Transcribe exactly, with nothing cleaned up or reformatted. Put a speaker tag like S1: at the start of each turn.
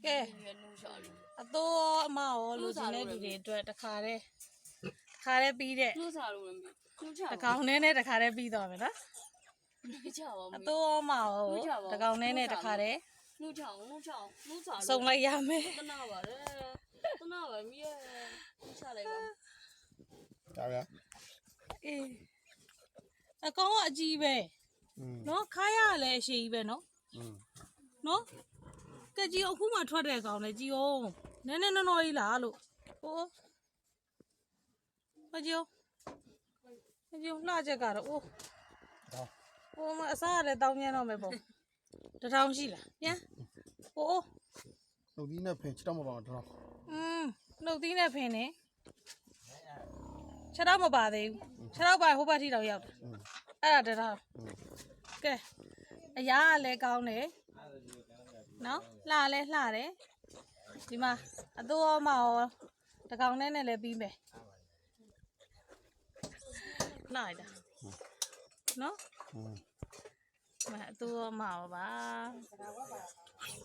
S1: ကဲအတော့အမရောလူစင်းတဲ့လူတွေအတွက်တခါတည်းတခါတည်းပြီးတဲ့
S2: နှုတ်စားလို့မနှုတ်ချပါ
S1: တကောင်နဲ့နဲ့တခါတည်းပြီးသွားမယ်နော်
S2: နှုတ်ချပါ
S1: အတော့အမရောတကောင်နဲ့နဲ့တခါတည်း
S2: နှုတ်ချအောင်နှုတ်ချအောင်နှုတ်စား
S1: စုံလိုက်ရမယ်
S2: တနာပါလေတနာပါမီးရဲ့နှုတ်ချလိုက်ပါ
S3: ဒါဗျာ
S1: အေးအကောင်ကအကြီးပဲနော်ခါရလည်းအရှိကြီးပဲနော်နော်ကကြီးအခုမှထွက်တဲ့ကောင်လေကြီးအောင်နည်းနည်းနော်နော်ကြီးလားလို့ဟိုမကြီးမကြီးလှချက်ကတော့အိုးဟိုမအစားလည်းတောင်းပြန်တော့မယ်ပေါ့တထောင်ရှိလားပြန်ဟို
S3: နှုတ်သီးနဲ့ဖင်ချတော့မပါတော့
S1: อืมနှုတ်သီးနဲ့ဖင်နေခြေတော့မပါသေးဘူးခြေတော့ပါဟိုဘက်ထိတော့ရောက်တယ်အဲ့ဒါတထောင်ကဲအရာကလည်းကောင်းတယ်နော်လှလဲလှတယ်ဒီမှာအတူအမရောတကောင်နဲ့နဲ့လည်းပြီးမယ်လှရတာနော်မအတူအမရောပါ